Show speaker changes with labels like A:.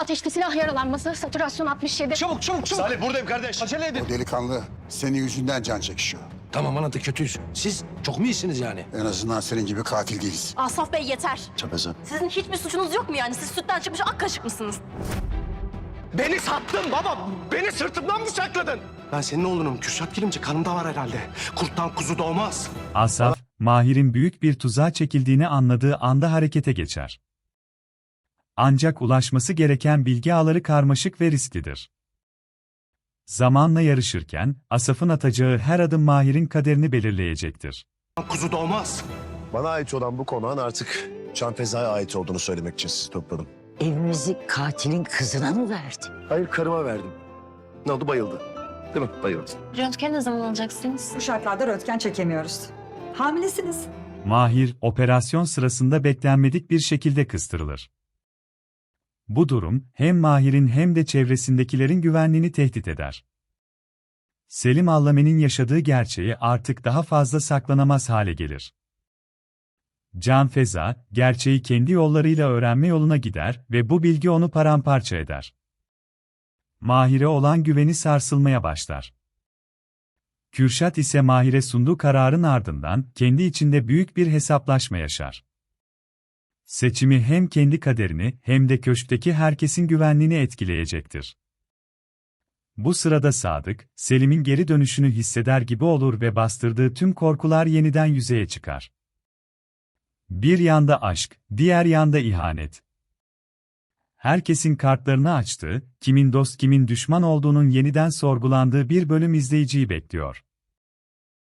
A: Ateşli silah yaralanması, satürasyon 67.
B: Çabuk.
C: Salih buradayım kardeş.
B: Acele edin.
D: O delikanlı senin yüzünden can çekişiyor.
E: Tamam anladık, kötüyüz. Siz çok mu iyisiniz yani?
D: En azından senin gibi katil değiliz.
F: Asaf Bey yeter.
C: Çapeza.
F: Sizin hiçbir suçunuz yok mu yani? Siz sütten çıkmış ak kaşık mısınız?
B: Beni sattın baba. Beni sırtımdan bıçakladın. Ben senin oğlunum. Kürşat Kilimci kanımda var herhalde. Kurttan kuzu doğmaz.
G: Asaf, Mahir'in büyük bir tuzağa çekildiğini anladığı anda harekete geçer. Ancak ulaşması gereken bilgi ağları karmaşık ve risklidir. Zamanla yarışırken, Asaf'ın atacağı her adım Mahir'in kaderini belirleyecektir.
B: Kuzu doğmaz.
C: Bana ait olan bu konağın artık Canfeza'ya ait olduğunu söylemek için sizi topladım.
H: Evimizi katilin kızına mı verdin?
C: Hayır karıma verdim. Ne oldu, bayıldı. Değil mi? Bayıldı.
F: Röntgen ne zaman alacaksınız?
I: Bu şartlarda röntgen çekemiyoruz. Hamilesiniz.
G: Mahir, operasyon sırasında beklenmedik bir şekilde kıstırılır. Bu durum, hem Mahir'in hem de çevresindekilerin güvenliğini tehdit eder. Selim Allame'nin yaşadığı gerçeği artık daha fazla saklanamaz hale gelir. Canfeza, gerçeği kendi yollarıyla öğrenme yoluna gider ve bu bilgi onu paramparça eder. Mahir'e olan güveni sarsılmaya başlar. Kürşat ise Mahir'e sunduğu kararın ardından kendi içinde büyük bir hesaplaşma yaşar. Seçimi hem kendi kaderini hem de köşkteki herkesin güvenliğini etkileyecektir. Bu sırada Sadık, Selim'in geri dönüşünü hisseder gibi olur ve bastırdığı tüm korkular yeniden yüzeye çıkar. Bir yanda aşk, diğer yanda ihanet. Herkesin kartlarını açtığı, kimin dost kimin düşman olduğunun yeniden sorgulandığı bir bölüm izleyiciyi bekliyor.